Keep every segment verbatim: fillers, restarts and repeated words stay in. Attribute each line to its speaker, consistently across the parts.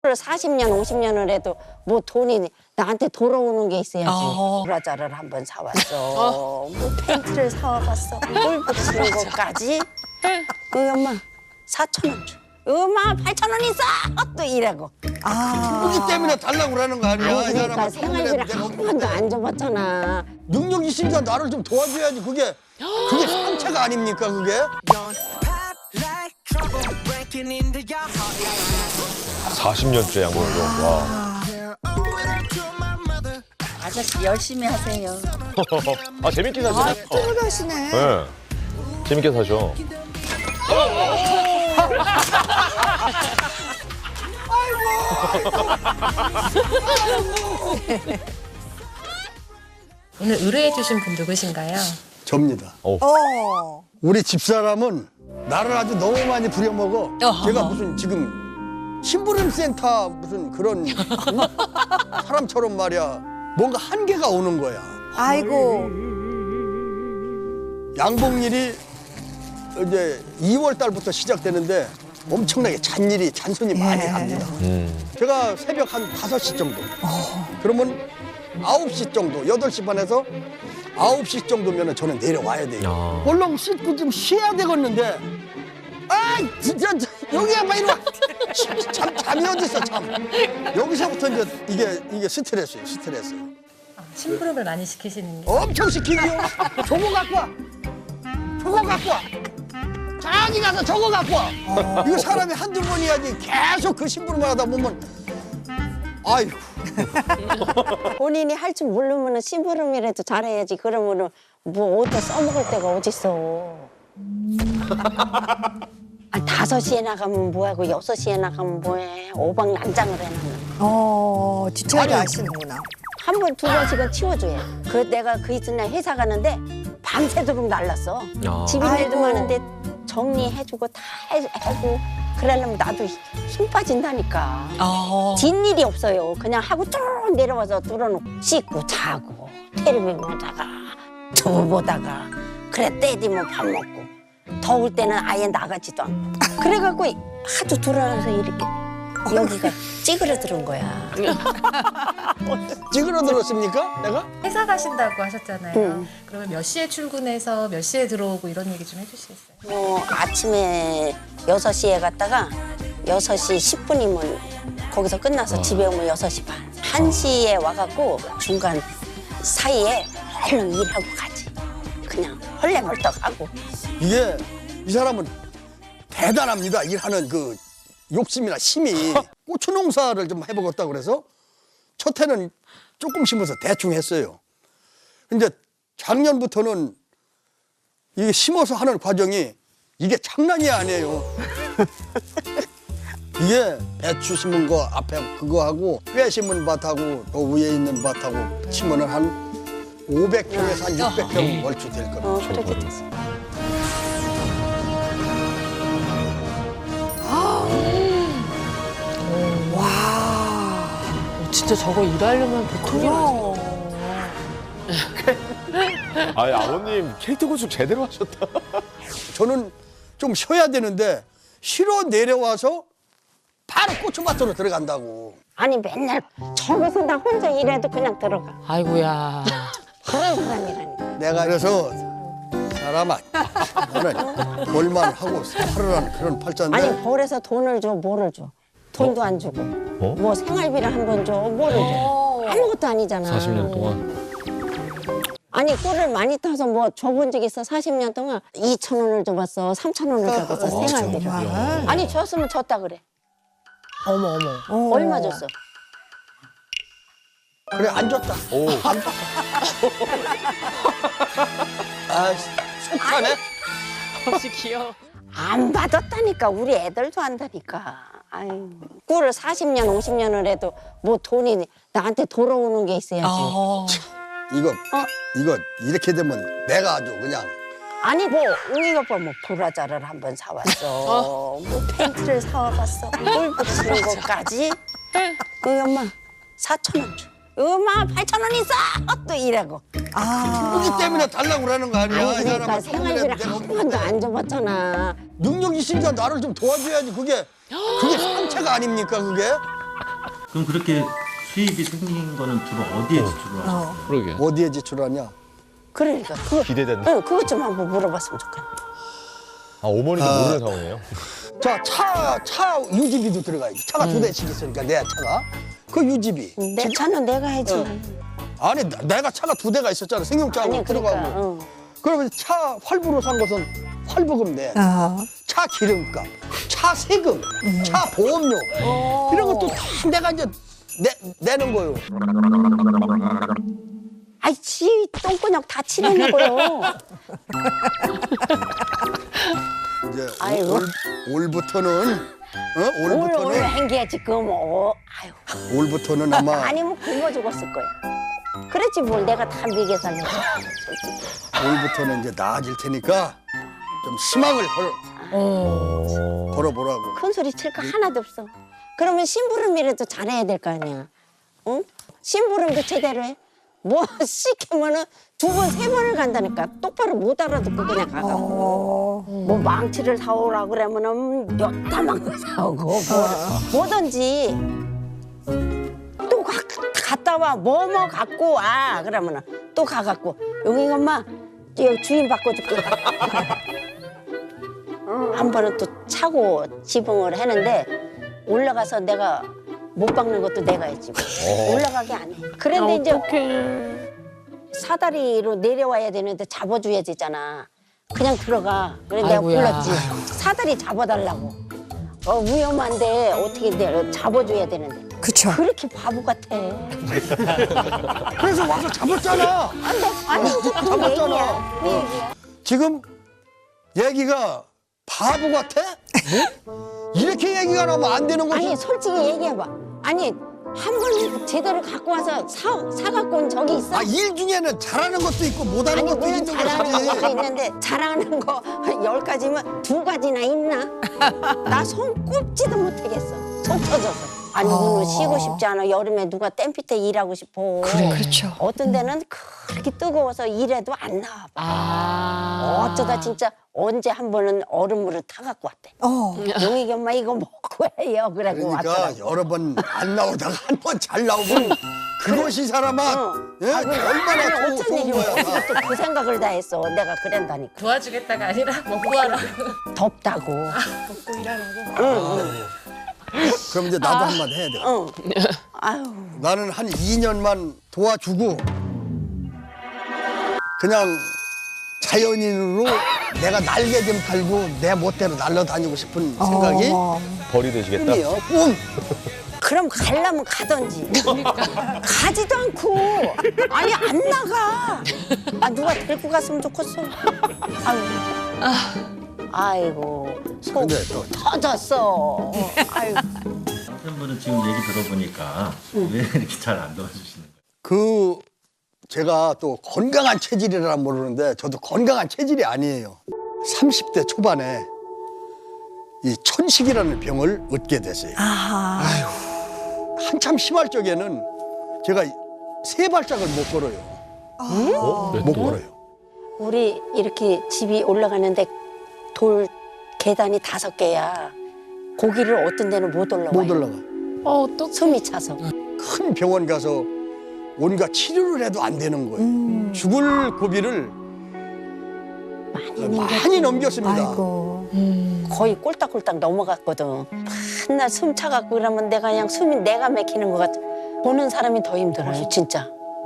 Speaker 1: 사십 년, 오십 년을 해도 뭐 돈이 나한테 돌아오는 게 있어야지.
Speaker 2: 어.
Speaker 1: 브라자를 한번 사왔어. 뭐 팬티를 사와봤어. 물 붙이는 것까지. 그 엄마 사천 원 줘. 엄마 팔천 원 있어. 또 이러고.
Speaker 3: 그렇기 때문에 달라고 그러는 거 아니야?
Speaker 1: 아니
Speaker 3: 이
Speaker 1: 그러니까
Speaker 3: 사람은
Speaker 1: 생활비를
Speaker 3: 내가
Speaker 1: 한 번도 안 줘봤잖아.
Speaker 3: 능력 있으니까 나를 좀 도와줘야지. 그게 그게 상체가 아닙니까 그게?
Speaker 4: 사십 년째 양보를 줘. 와.
Speaker 2: 아저씨 열심히 하세요.
Speaker 4: 아 재밌게 사시네.
Speaker 5: 또 가시네.
Speaker 4: 네. 재밌게 사셔.
Speaker 6: 오늘 의뢰해주신 분 누구신가요?
Speaker 3: 접니다.
Speaker 5: 어.
Speaker 3: 우리 집사람은 나를 아주 너무 많이 부려먹어.
Speaker 2: 어허.
Speaker 3: 제가 무슨 지금 심부름 센터 무슨 그런 응? 사람처럼 말이야. 뭔가 한계가 오는 거야.
Speaker 5: 아이고.
Speaker 3: 양봉일이 이제 이월 달부터 시작되는데 엄청나게 잔일이 잔손이 많이
Speaker 5: 예.
Speaker 3: 합니다.
Speaker 4: 음.
Speaker 3: 제가 새벽 한 다섯 시 정도. 그러면 아홉 시 정도, 여덟 시 반에서 아홉 시 정도면 저는 내려와야 돼요.
Speaker 4: 아.
Speaker 3: 얼른 씻고 좀 쉬어야 되겠는데. 아, 진짜 여기 한번 이리 와. 잠, 잠이 어딨어, 잠. 여기서부터 이제 이게 이게 스트레스예요, 스트레스.
Speaker 6: 아, 심부름을 많이 시키시는 게.
Speaker 3: 엄청 시키지요. 저거 갖고 와. 저거 갖고 와. 저기 가서 저거 갖고 와. 이거 사람이 한두 번이야지 계속 그 심부름을 하다 보면 아이고.
Speaker 1: 본인이 할 줄 모르면 심부름이라도 잘해야지. 그러면은 뭐 어디다 써먹을 데가 어딨어. 아, 다섯 시에 나가면 뭐하고 여섯 시에 나가면 뭐해. 오박난장을 해놨는.
Speaker 5: 어, 디테일도
Speaker 3: 아니.
Speaker 5: 아시는구나.
Speaker 1: 한 번, 두 번씩은 치워줘야. 그 내가 그 이튿날 회사 가는데 밤새도록 날랐어.
Speaker 4: 아.
Speaker 1: 집인일도
Speaker 5: 아이고.
Speaker 1: 많은데 정리해주고 다 해- 하고 그러려면 나도 힘 빠진다니까.
Speaker 2: 어.
Speaker 1: 뒷일이 없어요. 그냥 하고 쭉 내려와서 뚫어놓고 씻고 자고 텔레비전 보다가 두부 보다가 그래 때 되면 밥 먹고 더울 때는 아예 나가지도 않고 그래갖고 하도 돌아가서 이렇게 여기가 찌그러드는 거야.
Speaker 3: 찌그러들었습니까? 내가?
Speaker 6: 회사 가신다고 하셨잖아요.
Speaker 1: 응.
Speaker 6: 그러면 몇 시에 출근해서 몇 시에 들어오고 이런 얘기 좀 해주시겠어요?
Speaker 1: 뭐 아침에 여섯 시에 갔다가 여섯 시 십 분이면 거기서 끝나서 집에 오면 여섯 시 반. 한 시에 와갖고 중간 사이에 얼른 일하고 가지. 그냥 헐레벌떡하고.
Speaker 3: 이게 이 사람은 대단합니다. 일하는 그 욕심이나 힘이. 고추 농사를 좀 해보겠다 그래서 첫 해는 조금 심어서 대충 했어요. 근데 작년부터는 이게 심어서 하는 과정이 이게 장난이 아니에요. 이게 배추 심은 거 앞에 그거 하고 뼈 심은 밭하고 또 위에 있는 밭하고 치면은 한 오백 평에서 한 육백 평 월주 될 겁니다.
Speaker 1: 어, 그렇게 됐어.
Speaker 2: 진짜 저거 일하려면 보통이 아니야.
Speaker 4: 아니 아버님 캐릭터 구축 제대로 하셨다.
Speaker 3: 저는 좀 쉬어야 되는데 쉬러 내려와서 바로 고추밭으로 들어간다고.
Speaker 1: 아니 맨날 저기서 나 혼자 일해도 그냥 들어가.
Speaker 2: 아이고야.
Speaker 1: 그런 사람이라니까.
Speaker 3: 내가 그래서 사람아 너는 볼만 하고 살으라는 그런 팔자인데
Speaker 1: 아니 벌에서 돈을 줘 뭐를 줘. 돈도 안 주고.
Speaker 4: 어?
Speaker 1: 뭐 생활비를 한 번 줘 뭐를 줘. 아무것도 아니잖아.
Speaker 4: 사십 년 동안.
Speaker 1: 아니 꿀을 많이 타서 뭐 줘본 적 있어. 사십 년 동안 이천 원을 줘봤어. 삼천 원을 줘봤어. 생활비를.
Speaker 5: 정말.
Speaker 1: 아니 줬으면 줬다 그래.
Speaker 2: 어머 어머.
Speaker 5: 어.
Speaker 1: 얼마 줬어?
Speaker 3: 그래 안 줬다.
Speaker 4: 오.
Speaker 3: 아 속하네.
Speaker 2: 혹시 귀여워.
Speaker 1: 안 받았다니까. 우리 애들도 한다니까. 아유, 꿀을 사십 년, 오십 년을 해도 뭐 돈이 나한테 돌아오는 게 있어야지.
Speaker 2: 어.
Speaker 3: 이거 이거 이렇게 되면 내가 아주 그냥
Speaker 1: 아니 뭐 웅이 오빠 뭐 브라자를 한번 사왔어. 뭐 팬티를 사와봤어. 물 붙이는 것까지. 그 엄마 사천 원 줘. 엄마 팔천 원 있어. 또 이러고.
Speaker 5: 아.
Speaker 3: 그렇기 때문에 달라고 그러는 거 아니야?
Speaker 1: 아니
Speaker 3: 이
Speaker 1: 그러니까
Speaker 3: 사람은
Speaker 1: 생활비를 한 번도 안 줘봤잖아.
Speaker 3: 능력 있으니까 나를 좀 도와줘야지. 그게 그게 상체가 아닙니까 그게?
Speaker 7: 그럼 그렇게 수입이 생긴 거는 주로 어디에 지출을 하셨어요?
Speaker 5: 어.
Speaker 4: 그러게.
Speaker 3: 어디에 지출하냐?
Speaker 1: 그러니까 그거
Speaker 4: 기대된다.
Speaker 1: 응, 그것 좀 한번 물어봤으면 좋겠네.
Speaker 4: 아, 어머니도
Speaker 3: 아.
Speaker 4: 모르는 상황이에요?
Speaker 3: 자, 차, 차 유지비도 들어가야지. 차가 두 대씩 있으니까, 내 차가. 그 유지비.
Speaker 1: 내 차는 내가 해지.
Speaker 3: 응. 아니, 나- 내가 차가 두 대가 있었잖아. 승용차하고
Speaker 1: 아니 그러니까
Speaker 3: 들어가고.
Speaker 1: 응.
Speaker 3: 그러면 차 활부로 산 것은 활부금 내.
Speaker 5: 아.
Speaker 3: 차 기름값, 차 세금, 차 보험료. 이런 것도 다 내가 이제 내, 내는 거요.
Speaker 1: 아이 지 똥구녕 다 칠해놓고요.
Speaker 3: 이제
Speaker 1: 아이고.
Speaker 3: 올, 올부터는, 어?
Speaker 1: 올
Speaker 3: 올부터는,
Speaker 1: 올 행기야지 그거 뭐. 아유.
Speaker 3: 올부터는 아마
Speaker 1: 아니면 굶어 죽었을 거야. 그랬지 뭘 내가 다 미개 살려서. 솔직히.
Speaker 3: 올부터는 이제 나아질 테니까 좀 희망을 걸어,
Speaker 2: 어.
Speaker 3: 걸어보라고.
Speaker 1: 큰 소리 칠 거 하나도 없어. 그러면 심부름이라도 잘해야 될 거 아니야. 응? 심부름도 제대로 해. 뭐 시키면은 두 번, 세 번을 간다니까. 똑바로 못 알아듣고 그냥 가가고.
Speaker 5: 어.
Speaker 1: 뭐 망치를 사오라 그러면은 몇 다만 사오고 뭐, 뭐든지 또 가, 갔다 와 뭐 뭐 갖고 와 그러면은 또 가갖고 여기 엄마 여기 주인 바꿔줄게. 한 번은 또 차고 지붕을 했는데 올라가서 내가 못 박는 것도 내가 했지. 올라가게 안 해. 그런데 이제
Speaker 2: 어떡해.
Speaker 1: 사다리로 내려와야 되는데 잡아줘야 되잖아. 그냥 들어가. 그래 내가
Speaker 2: 아이고야.
Speaker 1: 불렀지. 사다리 잡아달라고. 어, 위험한데 어떻게 내가 잡아줘야 되는데.
Speaker 5: 그쵸.
Speaker 1: 그렇게 바보 같아.
Speaker 3: 그래서 와서 잡았잖아.
Speaker 1: 안돼. 아니 이제 그
Speaker 3: 잡았잖아.
Speaker 1: 얘기야. 그 얘기야.
Speaker 3: 지금 얘기가 바보 같아? 뭐? 이렇게 얘기가 나오면 안 되는 거지.
Speaker 1: 아니 솔직히 얘기해봐. 아니 한 번 제대로 갖고 와서 사, 사갖고 온 적이 있어?
Speaker 3: 아, 일 중에는 잘하는 것도 있고 못하는
Speaker 1: 아니
Speaker 3: 것도
Speaker 1: 물론
Speaker 3: 있는
Speaker 1: 잘하는 것도
Speaker 3: 거지.
Speaker 1: 있는데 잘하는 거 열 가지면 두 가지나 있나? 나 손 꼽지도 못하겠어. 속 터져서. 아니 오늘 쉬고 싶지 않아. 여름에 누가 땡볕에 일하고 싶어.
Speaker 5: 그렇죠.
Speaker 1: 어떤 데는 그렇게 뜨거워서 일해도 안 나와.
Speaker 2: 아.
Speaker 1: 어쩌다 진짜 언제 한 번은 얼음물을 타갖고 왔대.
Speaker 5: 어.
Speaker 1: 용익이 엄마 이거 먹고 해요. 그래고
Speaker 3: 그러니까
Speaker 1: 왔더라고.
Speaker 3: 여러 번 안 나오다가 한 번 잘 나오면 그것이 사람아
Speaker 1: 어.
Speaker 3: 예?
Speaker 1: 아, 그래.
Speaker 3: 얼마나
Speaker 1: 아니,
Speaker 3: 좋-
Speaker 1: 어쩐
Speaker 3: 좋은
Speaker 1: 일이야.
Speaker 3: 거야.
Speaker 1: 또 그 생각을 다 했어. 내가 그랬다니까.
Speaker 6: 도와주겠다가 아니라 먹고 하라고.
Speaker 1: 덥다고.
Speaker 6: 먹고 일하라고.
Speaker 1: 응, 응.
Speaker 3: 그럼 이제 나도 한마디 해야 돼.
Speaker 1: 응. 아유.
Speaker 3: 나는 한 이 년만 도와주고 그냥 자연인으로 내가 날개 좀 달고 내 멋대로 날아다니고 싶은 생각이
Speaker 5: 어.
Speaker 4: 벌이 되시겠다?
Speaker 3: 꿈이에요. 꿈.
Speaker 1: 그럼 가려면 가던지. 가지도 않고. 아니, 안 나가. 아, 누가 데리고 갔으면 좋겠어. 아유. 아이고. 속
Speaker 3: 근데 또
Speaker 1: 터졌어. 아이고.
Speaker 7: 남편분은 지금 얘기 들어보니까 왜 이렇게 잘 안 도와주시는 거예요?
Speaker 3: 그 제가 또 건강한 체질이라 모르는데 저도 건강한 체질이 아니에요. 삼십 대 초반에 이 천식이라는 병을 얻게 됐어요.
Speaker 5: 아하.
Speaker 3: 한참 심할 적에는 제가 세 발짝을 못 걸어요.
Speaker 4: 어?
Speaker 3: 못 걸어요.
Speaker 1: 우리 이렇게 집이 올라가는데 돌 계단이 다섯 개야. 고기를 어떤 데는 못 올라와요.
Speaker 3: 못 올라가.
Speaker 2: 어, 어떡해.
Speaker 1: 숨이 차서.
Speaker 3: 큰 병원 가서 온갖 치료를 해도 안 되는 거예요. 죽을 고비를
Speaker 1: 많이 넘겼지.
Speaker 3: 많이 넘겼습니다.
Speaker 5: 아이고.
Speaker 1: 거의 꼴딱꼴딱 넘어갔거든. 맨날 숨 차갖고 그러면 내가 그냥 숨이 내가 막히는 것 같아. 보는 사람이 더 힘들어요, 진짜.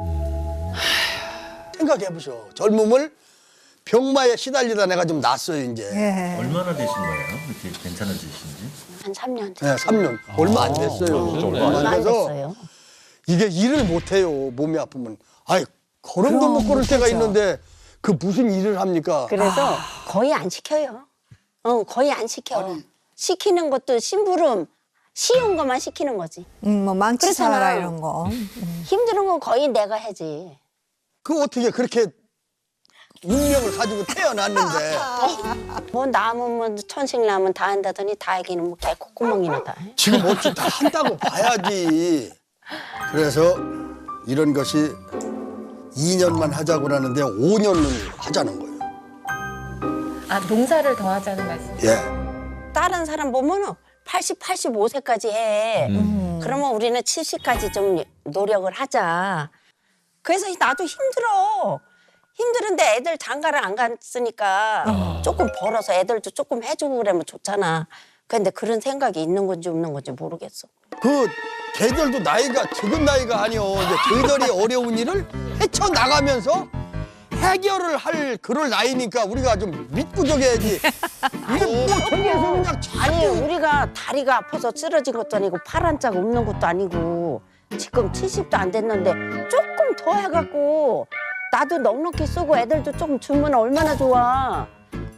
Speaker 3: 생각해보셔. 젊음을 병마에 시달리다 내가 좀 났어요, 이제.
Speaker 5: 예.
Speaker 7: 얼마나 되신 거예요? 이렇게 괜찮아지신지?
Speaker 1: 한 삼 년
Speaker 3: 네, 삼 년. 얼마 안 됐어요.
Speaker 4: 진짜 얼마
Speaker 3: 얼마
Speaker 1: 얼마
Speaker 3: 안
Speaker 1: 안
Speaker 3: 돼서
Speaker 1: 됐어요.
Speaker 3: 이게 일을 못 해요. 몸이 아프면. 아이, 걸음도 못 걸을 때가 있는데 그 무슨 일을 합니까?
Speaker 1: 그래서 거의 안 시켜요. 어, 거의 안 시켜.
Speaker 3: 아니.
Speaker 1: 시키는 것도 심부름 쉬운 것만 시키는 거지.
Speaker 5: 음, 뭐 망치
Speaker 1: 그렇잖아.
Speaker 5: 사라 이런 거.
Speaker 1: 힘든 건 거의 내가 하지.
Speaker 3: 그 어떻게 그렇게 운명을 가지고 태어났는데
Speaker 1: 뭐 남은 뭐 천식 남은 다 한다더니 다 하기는 뭐 개 콧구멍이나 다 해.
Speaker 3: 지금 어찌 다 한다고 봐야지. 그래서 이런 것이 이 년만 하자고 하는데 오 년을 하자는 거예요.
Speaker 6: 아, 농사를 더 하자는 말씀.
Speaker 3: 예.
Speaker 1: 다른 사람 보면은 팔십, 팔십오 세까지 해. 그러면 우리는 칠십까지 좀 노력을 하자. 그래서 나도 힘들어. 힘들은데 애들 장가를 안 갔으니까 조금 벌어서 애들도 조금 해주고 그러면 좋잖아. 근데 그런 생각이 있는 건지 없는 건지 모르겠어.
Speaker 3: 그 걔들도 나이가 적은 나이가 아니오. 이제 저희들이 어려운 일을 헤쳐나가면서 해결을 할 그럴 나이니까 우리가 좀 믿고 저겨야지. 이게 뭐 저기에서 그냥
Speaker 1: 아니 우리가 다리가 아파서 쓰러진 것도 아니고 팔 한 짝 없는 것도 아니고 지금 칠십도 안 됐는데 조금 더 해갖고 나도 넉넉히 쓰고 애들도 조금 주면 얼마나 좋아.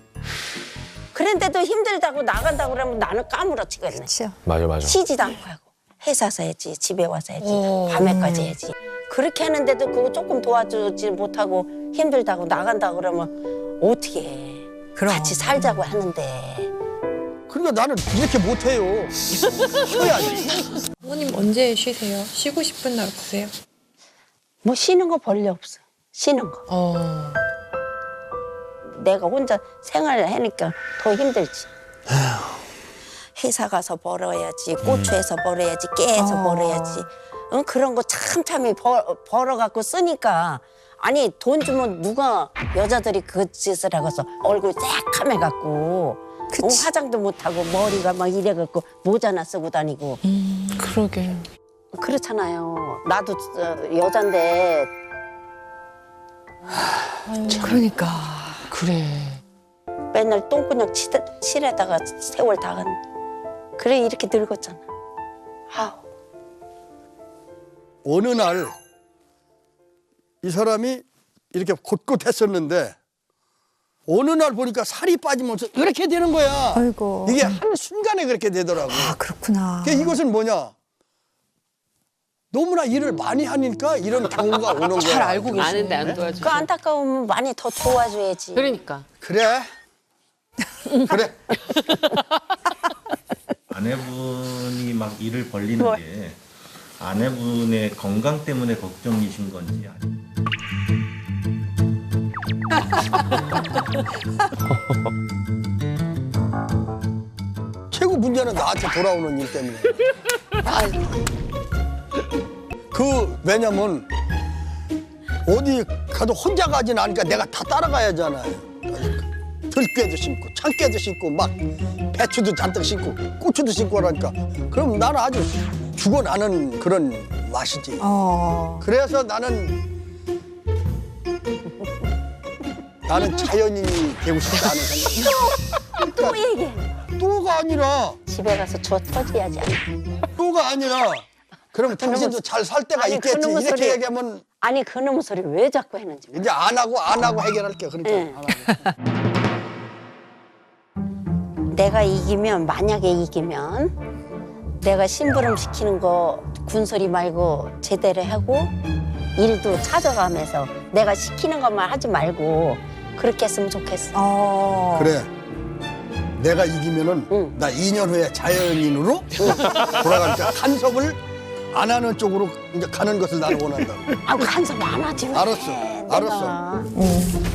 Speaker 1: 그런데도 힘들다고 나간다고 그러면 나는 까무러치겠네.
Speaker 5: 그렇죠.
Speaker 4: 맞아, 맞아.
Speaker 1: 쉬지도 않고 하고 회사서 해야지 집에 와서 해야지
Speaker 2: 어.
Speaker 1: 밤에까지 해야지. 그렇게 하는데도 그거 조금 도와주지 못하고 힘들다고 나간다고 그러면 어떻게 해.
Speaker 5: 그럼.
Speaker 1: 같이 살자고 하는데.
Speaker 3: 그러니까 나는 이렇게 못해요. 쉬어야지.
Speaker 2: 어머님 언제 쉬세요? 쉬고 싶은 날 없으세요?
Speaker 1: 뭐 쉬는 거 별로 없어. 쉬는 거.
Speaker 2: 어.
Speaker 1: 내가 혼자 생활을 하니까 더 힘들지. 회사 가서 벌어야지, 고추에서 벌어야지, 깨에서
Speaker 5: 어.
Speaker 1: 벌어야지. 응? 그런 거 참참히 벌, 벌어갖고 쓰니까. 아니 돈 주면 누가 여자들이 그 짓을 하고서 얼굴 새카매갖고 어, 화장도 못하고 머리가 막 이래갖고 모자나 쓰고 다니고
Speaker 2: 음, 그러게.
Speaker 1: 그렇잖아요. 나도 어, 여잔데
Speaker 5: 그러니까.
Speaker 2: 그래.
Speaker 1: 맨날 똥구녕 치, 칠에다가 세월 다 간. 그래 이렇게 늙었잖아. 아우.
Speaker 3: 어느 날 이 사람이 이렇게 곧곧했었는데 어느 날 보니까 살이 빠지면서 이렇게 되는 거야.
Speaker 5: 아이고.
Speaker 3: 이게 한 순간에 그렇게 되더라고.
Speaker 5: 아, 그렇구나.
Speaker 3: 그러니까 이것은 뭐냐? 너무나 일을 많이 하니까 이런 경우가 오는 거야.
Speaker 2: 잘 알고 계시네.
Speaker 8: 아는데 안 도와줘.
Speaker 1: 그 안타까우면 많이 더 도와줘야지.
Speaker 8: 그러니까.
Speaker 3: 그래. 그래.
Speaker 7: 아내분이 막 일을 벌리는 게 아내분의 건강 때문에 걱정이신 건지 아니면
Speaker 3: 최고 문제는 나한테 돌아오는 일 때문에. 그 왜냐면 어디 가도 혼자 가진 않으니까 내가 다 따라가야잖아요. 들깨도 심고 참깨도 심고 막 배추도 잔뜩 심고 고추도 심고 하니까 그럼 나는 아주 죽어나는 그런 맛이지.
Speaker 5: 어.
Speaker 3: 그래서 나는 나는 자연인이 되고 싶다는 생각.
Speaker 1: 또 얘기해.
Speaker 3: 또가 아니라
Speaker 1: 집에 가서 저 터져야지.
Speaker 3: 또가 아니라 그러면 당신도 잘 살 때가
Speaker 1: 아니,
Speaker 3: 있겠지.
Speaker 1: 그놈의
Speaker 3: 이렇게
Speaker 1: 소리-
Speaker 3: 얘기하면
Speaker 1: 아니 그놈의 소리 왜 자꾸 했는지.
Speaker 3: 이제 안 하고 안 하고 해결할게. 그러니까
Speaker 1: 응.
Speaker 3: 안 하고.
Speaker 1: 내가 이기면 만약에 이기면 내가 심부름 시키는 거 군소리 말고 제대로 하고 일도 찾아가면서 내가 시키는 것만 하지 말고 그렇게 했으면 좋겠어.
Speaker 5: 어.
Speaker 3: 그래. 내가 이기면은
Speaker 1: 응.
Speaker 3: 나 이 년 후에 자연인으로 돌아가니까 간섭을 안 하는 쪽으로 이제 가는 것을 나는 원한다.
Speaker 1: 아 간섭 안 하지 왜.
Speaker 3: 알았어,
Speaker 1: 내가.
Speaker 3: 알았어.
Speaker 1: 응.